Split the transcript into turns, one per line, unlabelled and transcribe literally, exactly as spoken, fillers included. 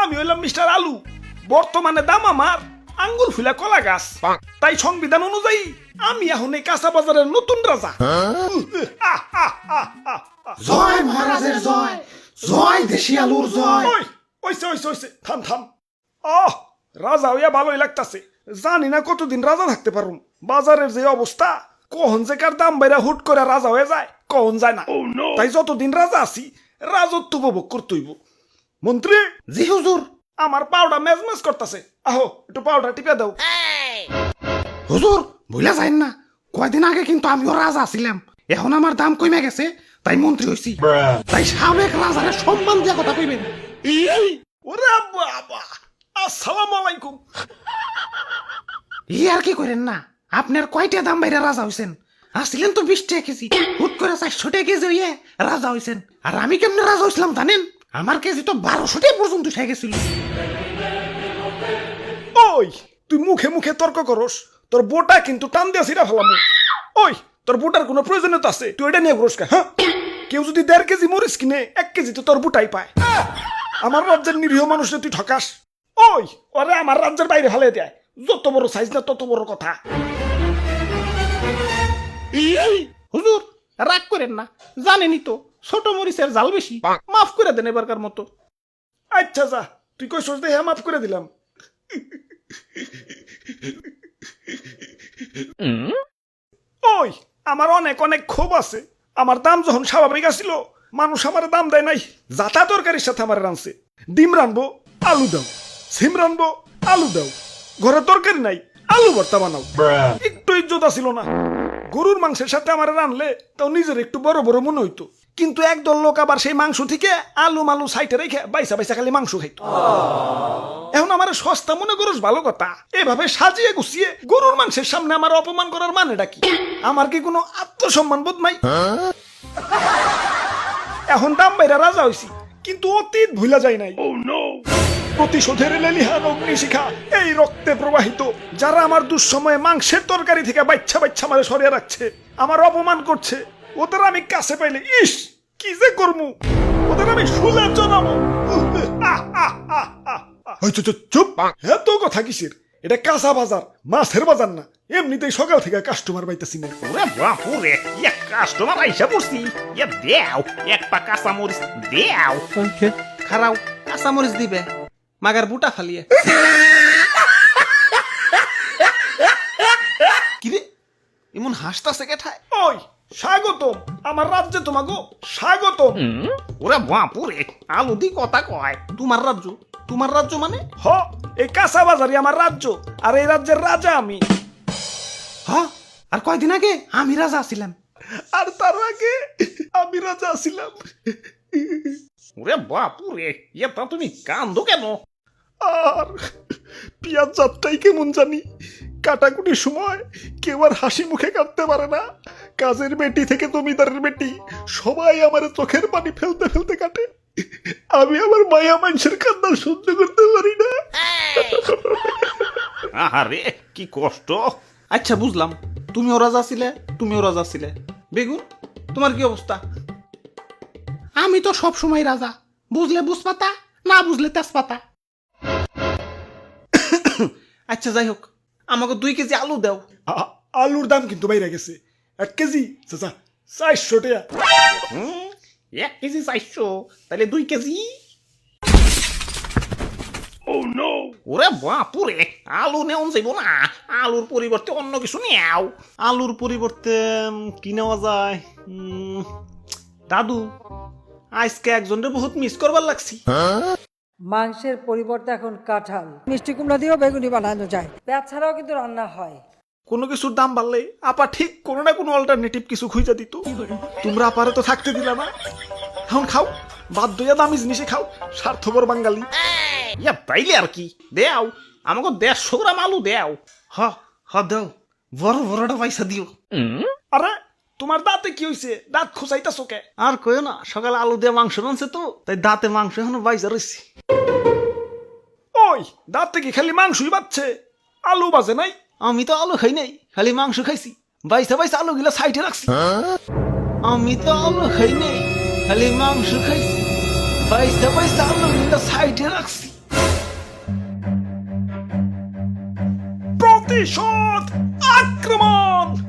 আমি হইলাম মিস্টার আলু। বর্তমানে দাম আমার আঙ্গুর ফুলা কলা গাছ। তাই সংবিধান অনুযায়ী আমি এখন এই কাঁচা বাজারের নতুন রাজা। আহ, আহ, আহ, আহ, আহ।
জয় মহারাজের জয়, জয় দেশি আলুর জয়।
ওই ওইসে ওইসে ওইসে থাম থাম। আহ রাজা হইয়া ভালোই লাগতাছে। জানি না কতদিন রাজা থাকতে পারুম। বাজারের যে অবস্থা, কখন যে কার দাম বাইরা হুট করে রাজা হয়ে যায় কখন যায় না। তাই যতদিন রাজা আছি রাজত্ব উপভোগ করতেইব। মন্ত্রী,
জি হুজুর।
আমার পাউডার মেজমেজ করতেছে, আহো একটু পাউডার টিপে দাও।
হুজুর ভুলে যাইন না, কয়দিন আগে কিন্তু আমিও রাজা ছিলাম, এখন আমার দাম কমে গেছে তাই মন্ত্রী হইছি। তাই সাবেক রাজারে সম্মান দিয়া কথা কইবেন।
ওরে বাবা, আসসালামু আলাইকুম।
ই আর কি করেন না, আপনার কয়টা দাম বাইরে রাজা হইছেন? আসছিলেন তো বিশ টাকা কেজি, হুট করে চারশো টাকা কেজি হইয়ে রাজা হইছেন। আর আমি কেমনে রাজা হইছিলাম জানেন? আমার কেজি তো বারোশো টাকা পর্যন্ত উঠে গেছিল।
ওই তুই মুখে মুখে তর্ক করস, তোর বোটা কিন্তু টান দিয়া ছিড়া ফেলাম। ওই তোর বোটার কোনো প্রয়োজনীয়তা আছে? তুই এটা নিয়ে ঘুরস কা? হ্যাঁ, কেউ যদি দেড় কেজি মরিচ কিনে এক কেজি তো তোর বুটাই পায়। আমার রাজ্যের নিরীহ মানুষে তুই ঠকাস। ওই ওরে আমার রাজ্যের বাইরে ফেলে দেয়। যত বড় সাইজ না তত বড় কথা।
হুজুর রাগ করেন না, জানেনই তো ছোট মরিচের জাল বেশি, মাফ করে দেন এবারকার মতো।
আচ্ছা যা, তুই কই সোচ দেখে মাফ করে দিলাম। ওই আমার অনেক অনেক ক্ষোভ আছে। আমার দাম যখন স্বাভাবিক আসিল, মানুষ আমার দাম দেয় নাই। যাতা তরকারির সাথে আমার রানছে। ডিম রানবো, আলু দাও। সিম রানবো, আলু দাও। ঘরে তরকারি নাই, আলু ভর্তা বানাও। একটু ইজ্জত ছিল না। গরুর মাংসের সাথে আমার রানলে তাও নিজের একটু বড় বড় মনে হইতো। কিন্তু একদল লোক আবার সেই মাংস থেকে আলু মালু সাইটে রেখে বাইসা বাইসা খালি মাংস খাইতো। এখন আমার সস্তা মনে করস ভালো কথা, এভাবে সাজিয়ে গুছিয়ে গরুর মাংসের সামনে আমার অপমান করার মানেটা কি? আমার কি কোনো আত্মসম্মান বোধ নাই? এখন দাম বাইরা রাজা হইছি, কিন্তু অতীত ভুলা যায় নাই। প্রতিশোধের লেলিহান অগ্নিশিখা এই রক্তে প্রবাহিত। যারা আমার দুঃসময়ে মাংসের তরকারি থেকে বাচ্চা বাচ্চা মারে সরিয়ে রাখছে, আমার অপমান করছে, ওদের আমি কাছে পাইলে ইস কি যে করমু, ওদের আমি শুলে জানাবো। চুপ, এত কথা কিসের? এটা কাঁচা বাজার, মাছের বাজার না। এমনিতেই সকাল থেকে কাস্টমার পাইতেছি না।
ওরে বাপুরে, এক কাস্টমার আইসা পড়ছি। এ দেও এক পা কাঁচা মরিচ দেও।
খারাও কাঁচা মরিচ দিবে, মাগার বুটা ফালিয়ে। কিরে এমন হাসতাছে কেঠায়?
ওই স্বাগতম আমার রাজ্যে, তোমাগো স্বাগতম।
ওরে বাপুরে, আলু দি কথা কয়।
তোমার রাজ্য? তোমার রাজ্য মানে?
হ, এই কাঁচা বাজারই আমার রাজ্য, আর এই রাজ্যের রাজা আমি।
হ, আর কয়দিন আগে আমি রাজা ছিলাম।
আর তার আগে আমি রাজা ছিলাম।
ওরে বাপুরে, এটা তুমি কান্দো কেন?
আর পিয়াজ যাত্রাই কেমন জানি, কাটাকুটির সময় কেউ আর হাসি মুখে কাটতে পারে না। কাজের বেটি থেকে জমিদারের বেটি সবাই আমার চোখের পানি ফেলতে ফেলতে কাটে। আমি আমার মায়া মানুষের কান্না সহ্য করতে পারি না।
আহারে কি কষ্ট।
আচ্ছা বুঝলাম, তুমিও রাজা ছিলে, তুমিও রাজা ছিলে। বেগুন তোমার কি অবস্থা? আমি তো সব সময় রাজা, বুঝলে বুঝপাতা, না বুঝলে তেজপাতা। আচ্ছা যাই হোক, আমাকে দুই কেজি আলু দাও।
আ- আলুর দাম কিন্তু বাইরে গেছে। এক কেজি চাচা চারশো টাকা।
হুম, এক কেজি চাইছো, তাহলে দুই কেজি। ওরে বাপুরে, আলু নেওয়া যাইব না। আলুর পরিবর্তে অন্য কিছু নেও।
আলুর পরিবর্তে উম, কি নেওয়া যায়? উম, দাদু আজকে একজনের বহুত মিস করবার লাগছি।
মাংসের পরিবর্তে এখন কাঁঠাল, মিষ্টি কুমড়া দিয়েও বেগুনি বানানো যায়। পেঁয়াজ ছাড়াও কিন্তু রান্না হয়।
কোনো কিছুর দাম বাড়লে আপা ঠিক কোনো না কোনো অল্টারনেটিভ কিছু খুঁজে দিত। তোমরা আপারে তো থাকতে দিলা না। এখন খাও, বাধ্য হইয়া দামি জিনিসে খাও, স্বার্থপর বাঙালি।
ইয়া তাইলে আর কি, দেও আমাকে দেড়শো গ্রাম আলু দেও।
হ হ দাও, বড় বড়টা পয়সা দিও।
আরে তোমার দাঁতে কি হইছে? দাঁত খোঁচাইতাছো কে?
আর কইও না, সকালে আলু দিয়ে মাংস রানছে তো, তাই দাঁতে মাংস এখনো বাইজা রয়েছে।
ওই দাঁতে কি খালি মাংসই বাচ্ছে, আলু বাজে নাই?
আমি তো আলু খাই নাই, খালি মাংস খাইছি। বাইসা বাইসা আলু গিলা সাইডে রাখছি। আমি তো আলু খাই নাই, খালি মাংস খাইছি। বাইসা বাইসা আলু গিলা সাইডে রাখছি।
প্রতিশোধ আক্রমণ।